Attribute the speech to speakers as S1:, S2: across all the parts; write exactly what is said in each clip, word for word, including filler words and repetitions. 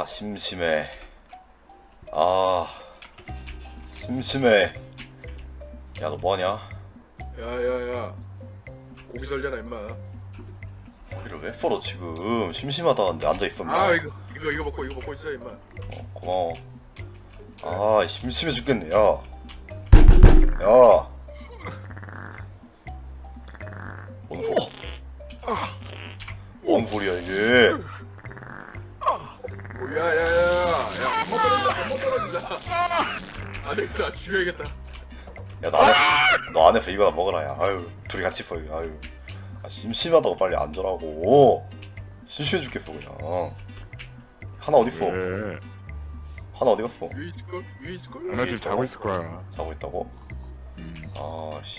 S1: 심심해. 아 심심해. 야 너 뭐하냐?
S2: 야야야 고기 설잖아 임마.
S1: 고기를 왜 썰어 지금? 심심하다는데 앉아있어 임마.
S2: 아 이거 이거 이거 먹고 이거 먹고 있어 임마.
S1: 어, 고마워. 아 심심해 죽겠네. 야 야. 뭔 소리? 뭔 소리야 이게?
S2: 야야야야 한번 떨어진다 한번 떨어진다. 안되겠다 죽여야겠다.
S1: 야 너 안에 너 안에서 이거나 먹어라 야. 아유 둘이 같이 써. 아유 아, 심심하다고 빨리 앉으라고. 심심해 죽겠어 그냥. 하나 어디 있어?
S3: 왜?
S1: 하나 어디 갔어?
S2: 위에 있을걸? 위에 있을걸?
S3: 나 지금 자고 있을 거야.
S1: 자고 있다고?
S3: 음.
S1: 아씨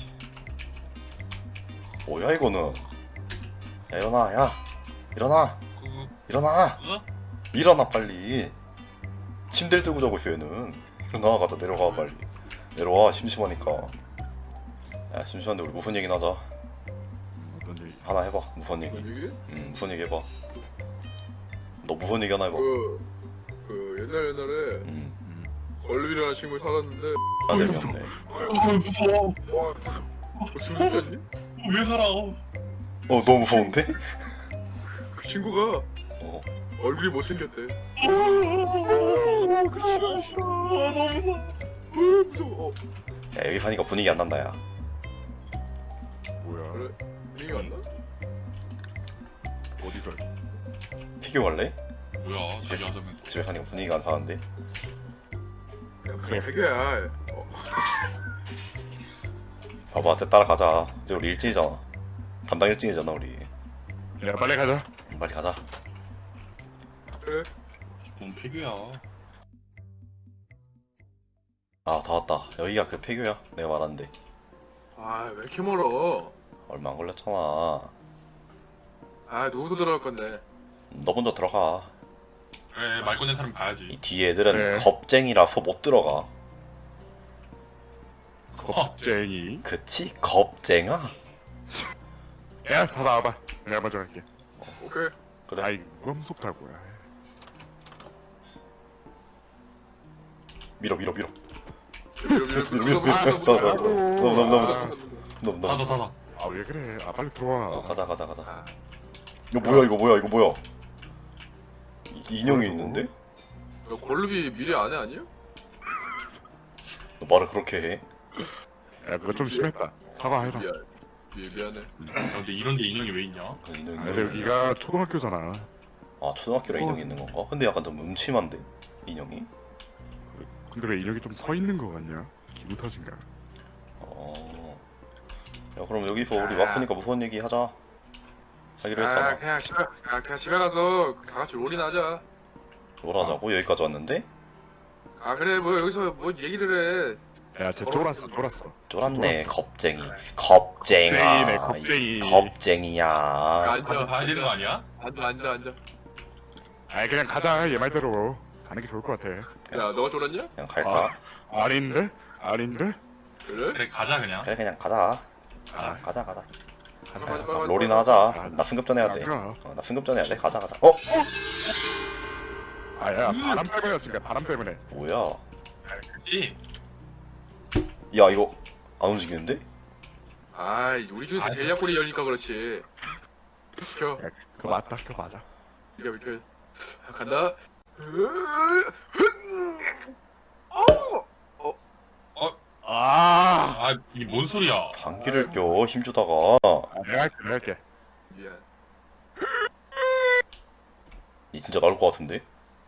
S1: 뭐야 이거는. 야 일어나 야 일어나 일어나 일어나 빨리. 침대를 들고 자고 있어 얘는. 일어나 가자 내려가 빨리. 내려와 심심하니까. 야 심심한데 우리 무슨 얘기나 하자.
S3: 어떤 얘기?
S1: 하나 해봐 무슨 얘기.
S2: 뭔 얘기?
S1: 응 무슨 얘기 해봐. 너 무슨 얘기 하나 해봐.
S2: 그, 그 옛날 옛날에
S1: 응
S2: 걸림이라는 친구 살았는데
S1: 아 재미없네.
S4: 무서워.
S2: 무슨 진짜지?
S4: 왜 살아?
S1: 어 너무 무서운데?
S2: 그 친구가
S1: 어
S2: 얼굴이 못생겼대.
S4: 그 싫어 싫어. 너무 무서워.
S2: 어, 무서워. 어,
S1: 야 여기 사니까 분위기 안 난다 야.
S3: 뭐야?
S2: 그래? 분위기가 안 나?
S3: 어디서?
S1: 피규어 갈래?
S4: 뭐야? 자기 하자면서.
S1: 집에 사니까 분위기가 안 사는데.
S2: 야 그래 배겨야. 어.
S1: 봐봐 쟤 따라가자. 이제 우리 일진이잖아. 담당 일진이잖아 우리.
S3: 야 빨리 가자.
S1: 빨리 가자.
S2: 그래?
S4: 뭔 폐교야?
S1: 아 다 왔다. 여기가 그 폐교야 내가 말한데.
S2: 아 왜 이렇게 멀어?
S1: 얼마 안 걸렸잖아.
S2: 아 누구도 들어갈 건데.
S1: 너 먼저 들어가.
S4: 그래 말 꺼낸 사람
S1: 이
S4: 봐야지.
S1: 뒤에 애들은
S3: 그래.
S1: 겁쟁이라서 못 들어가.
S3: 겁쟁이.
S1: 그치? 겁쟁아?
S3: 야 다 나와봐. 내가 먼저 갈게.
S2: 오케이.
S1: 그래.
S3: 아이 뭐가 무섭다고야.
S1: 밀어 밀어 밀어.
S2: 밀어 밀어
S1: 밀어 밀어 밀어.
S2: 아,
S1: 너무 너무 너무 너무 너무
S4: 닫아
S1: 너무.
S4: 닫아.
S3: 아 왜 그래? 아 빨리 들어와.
S1: 어 가자 가자 가자.
S2: 아,
S1: 이거 뭐야 이거 뭐야 이거 뭐야? 이- 인형이 있는데?
S2: 너 골루비 미래 안 해 아니야?
S1: 너 말을 그렇게 해?
S3: 야 그거 좀 심했다. 사과해라.
S2: 미안. 미, 미안해.
S4: 야, 근데 이런데 인형이 왜 있냐?
S1: 그 인형.
S3: 아, 근데 여기가 초등학교잖아.
S1: 아 초등학교랑 인형이 있는 건가? 근데 약간 좀 음침한데 인형이?
S3: 근데 왜 인형이 좀 서 있는 거 같냐? 기분 탓인가?
S1: 어. 야 그럼 여기서 우리 왔으니까 무서운 얘기 하자. 하기로
S2: 아
S1: 했잖아.
S2: 그냥 집에 아 그냥 집에 가서 다 같이 롤이나 하자.
S1: 롤하자고 여기까지 왔는데?
S2: 아 그래 뭐 여기서 뭐 얘기를 해.
S3: 야쟤 쫄았어 쫄았어.
S1: 쫄았네
S3: 쫄았어.
S1: 겁쟁이. 겁쟁아.
S3: 겁쟁이네, 겁쟁이.
S1: 이 겁쟁이야.
S4: 가서
S2: 앉아.
S4: 봐야 되는 거 아니야?
S2: 앉아 앉아 앉아.
S3: 아이 그냥 가자 얘 말대로. 가는 게 좋을 것 같아.
S2: 야 너가 쫄았냐?
S1: 그냥 갈까?
S3: 아, 아닌데? 아닌데?
S2: 그래?
S4: 그래 가자 그냥.
S1: 그래 그냥 가자.
S4: 아,
S1: 가자 가자.
S2: 가자,
S1: 가자.
S2: 가자, 빨리, 빨리,
S1: 롤이나
S2: 빨리.
S1: 하자. 나 승급전 해야 돼.
S3: 아,
S1: 어, 나 승급전 해야 돼. 가자 가자. 어?
S3: 아야 바람 때문이었으니까 바람 때문에.
S1: 뭐야?
S4: 그렇지.
S1: 야 이거 안 움직이는데?
S2: 아 우리 중에서 제일 약골이 열니까 그렇지. 비켜
S3: 야, 그거 맞다 그거 맞아.
S2: 비켜 비켜. 간다.
S3: 아,
S4: 아 이게 뭔 소리야?
S1: 방귀를 껴 힘주다가.
S3: 아 내가 할게 내가 할게.
S2: 미안.
S1: 이 진짜 나올 것 같은데?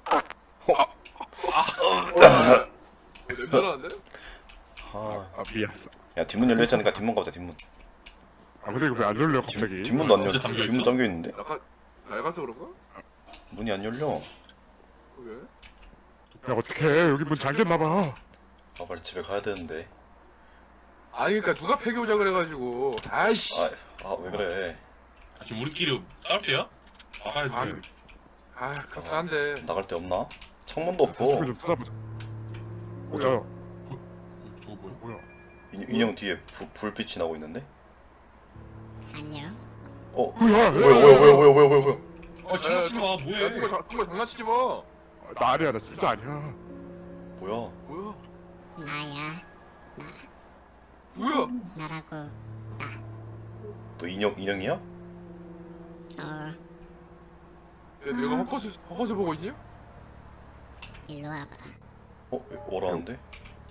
S2: 냄새 나는데?
S1: 아,
S3: 아 미안.
S1: 야 뒷문 열려 있으니까 뒷문 가보자 뒷문.
S3: 아 근데 이거 왜 안 열려 갑자기?
S1: 뒷, 뒷문도 안 열려.
S4: 진짜 잠겨 있어?
S1: 뒷문 잠겨 있는데?
S2: 나가 나가서 그런가?
S1: 문이 안 열려.
S2: 그게?
S3: 야 어떡해 여기 문 잠겼나봐.
S1: 아 빨리 집에 가야 되는데.
S2: 아니 그러니까 누가 폐교자 그래가지고 아이씨.
S1: 아 왜 그래?
S4: 아, 지금 우리끼리 싸울 때야? 나가야지.
S2: 아, 그- 아 그렇긴 한데.
S1: 나갈 데 없나? 창문도 없어.
S3: 사슴을 좀 찾아보자. 뭐야?
S4: 저거 뭐야?
S3: 뭐야?
S1: 인, 인형 뒤에 부, 불빛이 나고 있는데?
S5: 안녕.
S1: 어?
S3: 뭐야?
S1: 뭐야 뭐야 뭐야 뭐야 뭐야 뭐야 뭐야?
S4: 아 지나치지 마
S2: 야
S4: 뭐해?
S2: 누가 자- 누가 장난치지 마.
S3: 나 아니야, 나 진짜 아니야.
S1: 뭐야?
S2: 뭐야?
S5: 나야.
S2: 뭐야?
S5: 나라고.
S1: 너 인형 인형이야?
S5: 어,
S2: 야, 내가 헛것을 헛것을 보고 있냐?
S5: 일로 와봐.
S1: 어? 뭐라는데?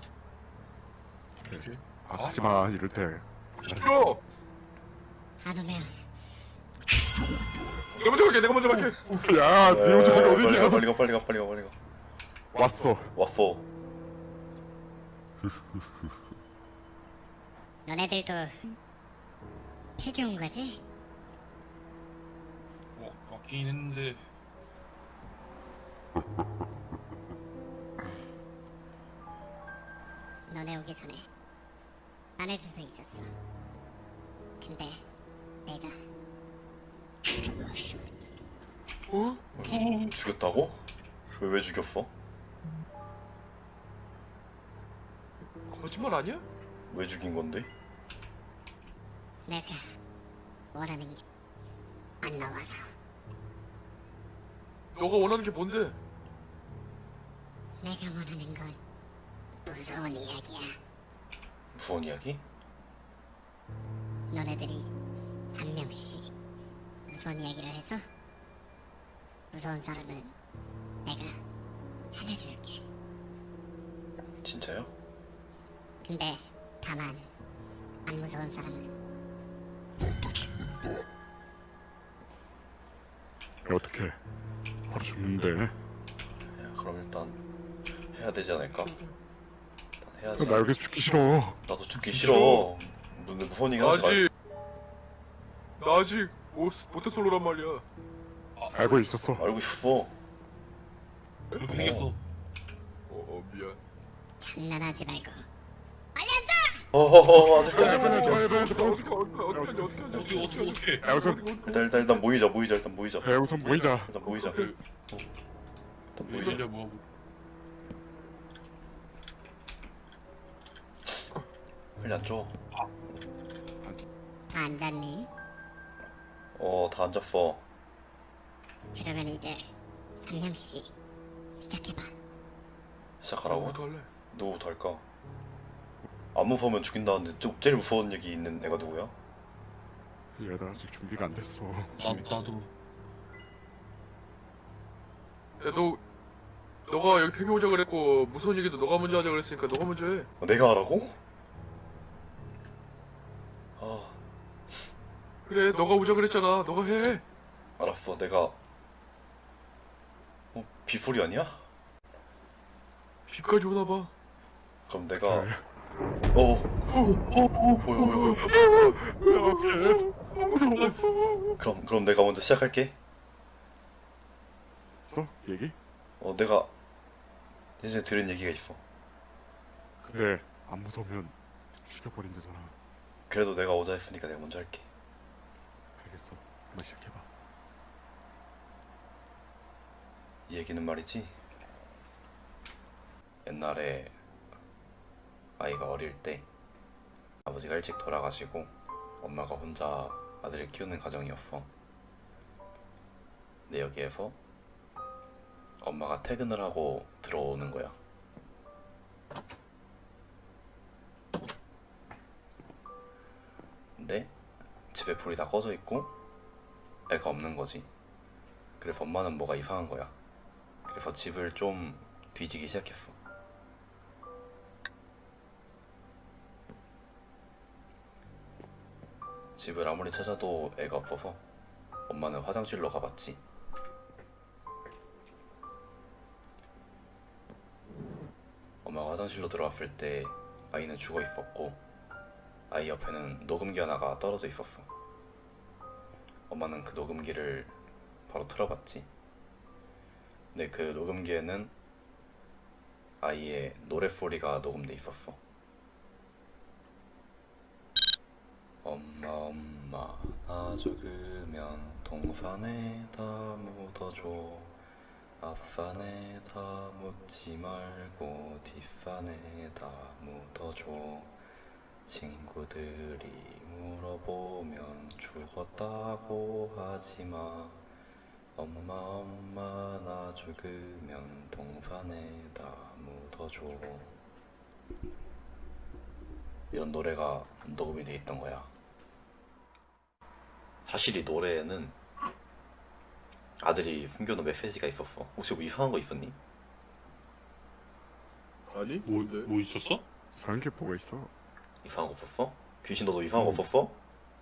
S3: 아, 하지마, 이럴 때.
S2: 시켜.
S5: 안 오면
S2: 내가 먼저 갈게. 내가 먼저 갈게.
S3: 야, 네 혼자 거기
S1: 빨리 가
S3: 어디냐?
S1: 빨리 가 빨리 가 빨리 가 빨리 가.
S3: 왔어.
S1: 왔어.
S5: 너네들도 폐교 온 거지?
S4: 어, 맞긴 했는데.
S5: 너네 오기 전에 아내들도 있었어. 근데 내가
S2: 어?
S1: 죽였다고? 왜 왜 죽였어?
S2: 거짓말 아니야?
S1: 왜 죽인 건데?
S5: 내가 원하는 게 안 나와서.
S2: 너가 원하는 게 뭔데?
S5: 내가 원하는 건 무서운 이야기야.
S1: 무슨 이야기?
S5: 너네들이 한 명씩 무서운 이야기를 해서 무서운 사람은 내가 살려줄게.
S1: 진짜요?
S5: 근데 다만 안 무서운 사람은
S3: 야, 어떡해. 바로 죽는데.
S1: 야, 그럼 일단 해야 되지 않을까? 일단 해야지.
S3: 나 여기서 죽기 싫어.
S1: 나도 죽기 싫어. 근데 무슨 얘기 하지 마.
S2: 아직 나 아직 모 모태 솔로란 말이야.
S3: 알고 있었어.
S1: 알고 있어.
S4: 그렇게 생겼어.
S2: 어, 어 미안.
S5: 장난하지 말고
S1: 어허허 아직
S3: 야, 빨리,
S1: 까지.
S3: 빨리, 빨리,
S2: 어떻게
S3: 빨리.
S2: 어떻게 어떻게 어떻게 하냐 어떻게 하냐
S4: 어떻게 어떻게 어떻게?
S3: 야, 우선,
S1: 일단 일단 일단 모이자 모이자 일단 모이자.
S3: 야, 우선 모이자.
S1: 일단 모이자.
S4: 그,
S1: 일단
S4: 왜
S1: 모이자.
S4: 이래 뭐?
S1: 빨리 앉아.
S5: 다 앉았니?
S1: 어 다 앉았어.
S5: 그러면 이제 한 명씩 시작해봐.
S1: 시작하라고?
S2: 뭐부터 할래?
S1: 누구부터 할까? 안 무서우면 죽인다는데 좀 제일 무서운 얘기 있는 애가 누구야?
S3: 야, 나 아직 준비가 안 됐어.
S4: 나 나도.
S2: 야너 너가 여기 폐교 오자 그랬고 무서운 얘기도 너가 먼저 하자 그랬으니까 너가 먼저 해.
S1: 어, 내가 하라고? 아
S2: 그래 너가 오자 그랬잖아. 너가 해.
S1: 알았어 내가. 어 비소리 아니야?
S2: 비까지 오나 봐.
S1: 그럼 내가.
S3: 그래.
S1: 어. 뭐야 뭐야 뭐야.
S3: 야, 어떡해. 무서워.
S1: 그럼 그럼 내가 먼저 시작할게.
S3: 있어? 얘기?
S1: 어 내가 예전에 들은 얘기가 있어.
S3: 그래, 안 무서우면 죽여버린다잖아.
S1: 그래도 내가 오자 했으니까 내가 먼저 할게.
S3: 알겠어. 한번 시작해봐.
S1: 이 얘기는 말이지. 옛날에 아이가 어릴 때 아버지가 일찍 돌아가시고 엄마가 혼자 아들을 키우는 가정이었어. 근데 여기에서 엄마가 퇴근을 하고 들어오는 거야. 근데 집에 불이 다 꺼져 있고 애가 없는 거지. 그래서 엄마는 뭐가 이상한 거야. 그래서 집을 좀 뒤지기 시작했어. 집을 아무리 찾아도 애가 없어서 엄마는 화장실로 가봤지. 엄마가 화장실로 들어왔을 때 아이는 죽어 있었고 아이 옆에는 녹음기 하나가 떨어져 있었어. 엄마는 그 녹음기를 바로 틀어봤지. 근데 그 녹음기에는 아이의 노랫소리가 녹음돼 있었어. 엄마 엄마 나 죽으면 동산에다 묻어줘. 앞산에다 묻지 말고 뒷산에다 묻어줘. 친구들이 물어보면 죽었다고 하지마. 엄마 엄마 나 죽으면 동산에다 묻어줘. 이런 노래가 녹음이 돼 있던 거야. 사실 이 노래에는 아들이 숨겨놓은 메시지가 있었어. 혹시 뭐 이상한 거 있었니?
S2: 아니?
S4: 뭐,
S2: 뭔데?
S4: 뭐 있었어?
S3: 이상한 게 뭐가 있어?
S1: 이상한 거 없었어? 귀신 너도 이상한 거 없었어?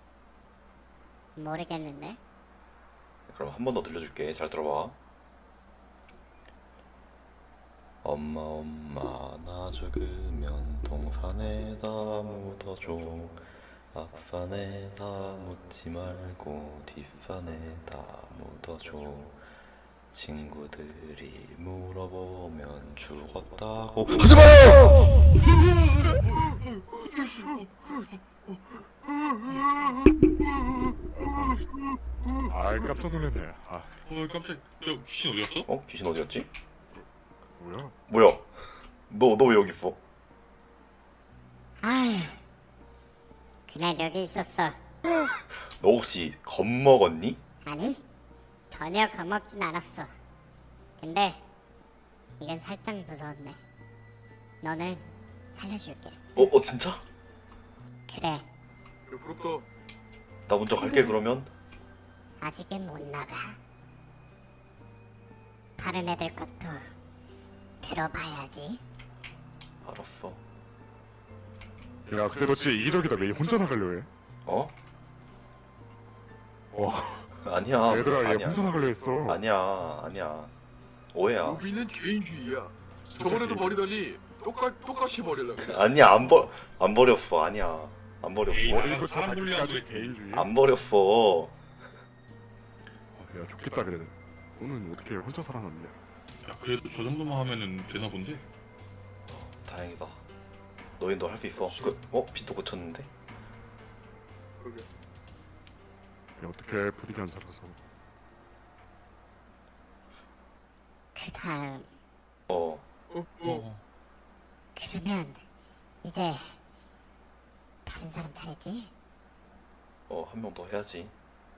S5: 모르겠는데.
S1: 그럼 한 번 더 들려줄게. 잘 들어봐. 엄마 엄마 나 죽으면 동산에다 묻어줘. 앞산에다 묻지 말고 뒷산에다 묻어줘. 친구들이 물어보면 죽었다고 하지마요!
S3: 아 깜짝 놀랐네. 아
S4: 어 깜짝. 야 귀신 어디갔어?
S1: 어? 귀신 어디였지?
S3: 뭐야?
S1: 뭐야? 너 너 왜 여기 있어?
S5: 아휴, 그냥 여기 있었어.
S1: 너 혹시 겁먹었니?
S5: 아니, 전혀 겁먹진 않았어. 근데 이건 살짝 무서웠네. 너는 살려줄게.
S1: 어? 어 진짜?
S5: 그래,
S2: 그래, 부럽다.
S1: 나 먼저 갈게 그러면.
S5: 아직은 못 나가. 다른 애들 것도 들어봐야지.
S1: 알았어.
S3: 야 근데 너 진짜 이기적이다. 왜 혼자 나가려 해?
S1: 어?
S3: 와
S1: 아니야.
S3: 얘들아 얘
S1: 아니야.
S3: 혼자 나가려 했어.
S1: 아니야. 아니야. 오해야.
S2: 루비는 개인주의야. 저번에도
S3: 개인주의.
S2: 버리더니 똑같 똑같이 버리려고.
S1: 아니야. 안 버, 안 버렸어. 아니야. 안 버렸어.
S4: 에이,
S3: 머리
S4: 나가서
S3: 이거
S4: 사람 돌리려고
S3: 자기까지
S4: 했지.
S3: 개인주의.
S1: 안 버렸어.
S3: 아, 야 좋겠다 그래도. 너는 어떻게 혼자 살아남냐?
S4: 야 그래도 저 정도만 하면은 되나 본데?
S1: 다행이다. 너희도 할 수 있어. 그, 어? 빛도 고쳤는데?
S2: 그러게.
S3: 야 어떻게 분위기 안 살아서.
S5: 그 다음,
S1: 어.
S2: 어, 어.
S4: 어.
S5: 그러면 이제 다른 사람 차례지?
S1: 어, 한 명 더 해야지.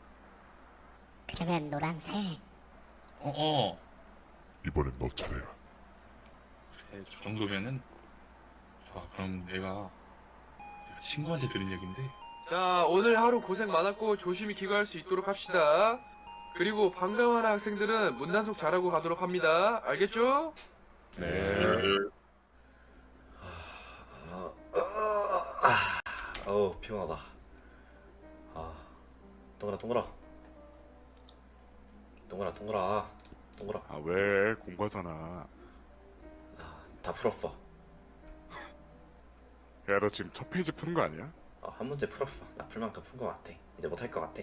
S5: 그러면 노란색.
S4: 어 어.
S3: 이번엔 너 차례야.
S4: 그래 저 정도면은 좋아. 그럼 내가 내가 친구한테 들은 얘긴데.
S2: 자, 오늘 하루 고생 많았고 조심히 귀가할 수 있도록 합시다. 그리고 방과하는 학생들은 문단속 잘하고 가도록 합니다. 알겠죠?
S3: 네.
S1: 아, 아, 어우, 피곤하다. 아, 동그라, 동그라. 동그라, 동그라. 동그라.
S3: 아 왜 공부하잖아.
S1: 아, 다 풀었어.
S3: 야 너 지금 첫 페이지 푸는 거 아니야?
S1: 어, 한 문제 풀었어. 나 풀 만큼 푼 거 같아. 이제 못 할 거 같아.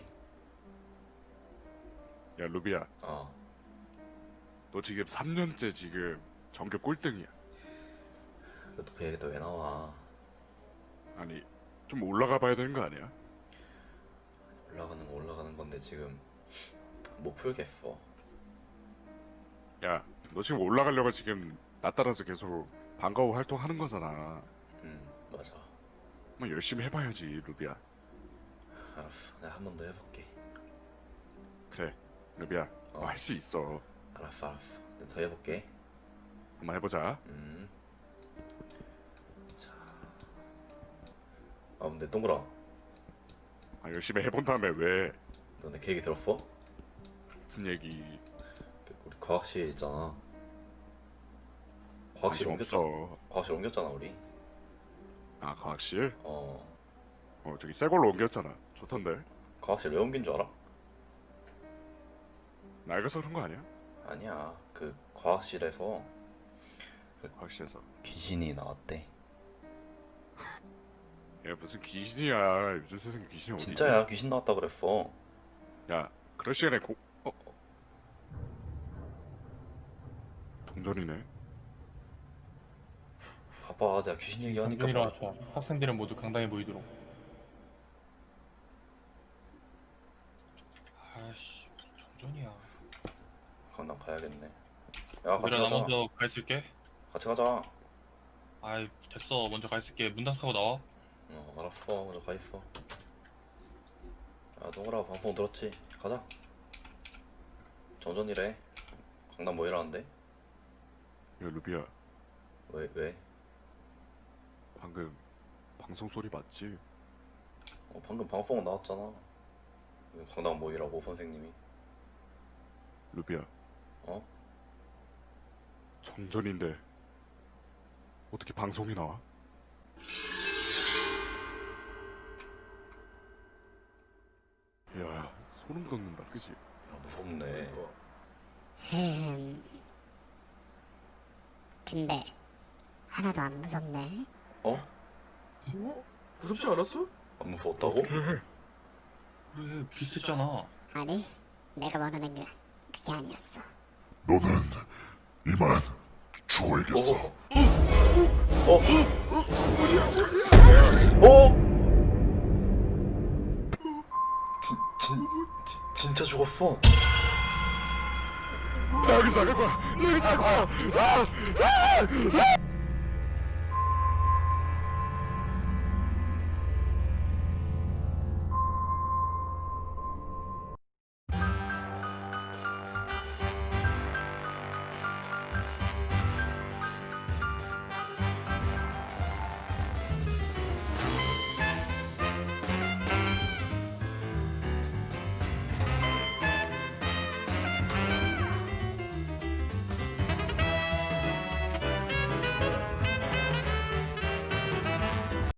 S3: 야 루비야
S1: 어.
S3: 너 지금 삼 년째 지금 전교 꼴등이야.
S1: 너도 그 얘기 또 왜 나와?
S3: 아니 좀 올라가 봐야 되는 거 아니야?
S1: 올라가는 거 올라가는 건데 지금 못 풀겠어.
S3: 야 너 지금 올라가려고 지금 나 따라서 계속 방과후 활동하는 거잖아.
S1: 음, 맞아.
S3: 한번 열심히 해봐야지 루비야.
S1: 알았어. 내가 한 번 더 해볼게.
S3: 그래 루비야
S1: 어.
S3: 너 할 수 있어.
S1: 알았어, 알았어. 내가 더 해볼게.
S3: 한번 해보자.
S1: 음. 자. 아, 근데 동그라.
S3: 아, 열심히 해본 다음에 왜
S1: 너 내 계획이 들었어?
S3: 무슨 얘기
S1: 우리 과학실 있잖아. 과학실
S3: 관심
S1: 옮겼잖아.
S3: 없어.
S1: 과학실 옮겼잖아, 우리.
S3: 아 과학실?
S1: 어.
S3: 어 저기 새 걸로 옮겼잖아. 좋던데.
S1: 과학실 왜 옮긴 줄 알아?
S3: 낡아서 그런 거 아니야?
S1: 아니야. 그 과학실에서
S3: 과학실에서.
S1: 귀신이 나왔대.
S3: 야 무슨 귀신이야. 요즘 세상에 귀신이 어디
S1: 진짜야. 귀신 나왔다 그랬어.
S3: 있냐? 야 그럴 시간에 고... 어? 어. 동전이네.
S1: 봐봐, 내가 귀신 얘기하니까
S6: 정전이라
S1: 뭐-
S6: 하죠. 학생들은 모두 강당에 모이도록.
S4: 아씨 정전이야.
S1: 그건 난 가야겠네. 야, 같이
S4: 얘들아 나
S1: 가자.
S4: 먼저 가 있을게.
S1: 같이 가자.
S4: 아이 됐어. 먼저 가 있을게. 문 닫고 나와.
S1: 어, 알았어. 먼저 가 있어. 야, 동그라 방송 들었지? 가자. 정전이래. 강남 뭐 일하는데?
S3: 야 루비야,
S1: 왜 왜?
S3: 방금 방송 소리 맞지?
S1: 어, 방금 방송 나왔잖아. 강남 뭐 일하고 선생님이.
S3: 루비야,
S1: 어?
S3: 정전인데 어떻게 방송이 나와? 야, 소름 돋는다, 그지?
S1: 야 무섭네.
S5: 흠. 근데 하나도 안 무섭네.
S1: 어?
S2: 무섭지 않았어?
S1: 안 무서웠다고?
S4: 그래 비슷했잖아.
S5: 아니, 내가 원하는 건 그게 아니었어.
S7: 너는 이만 죽어야겠어.
S1: 어? 어? 어? 진, 진, 진, 진짜 죽었어.
S3: 나 여기서 나갈 거야! 나 여기서 나갈 거야! 아! 아!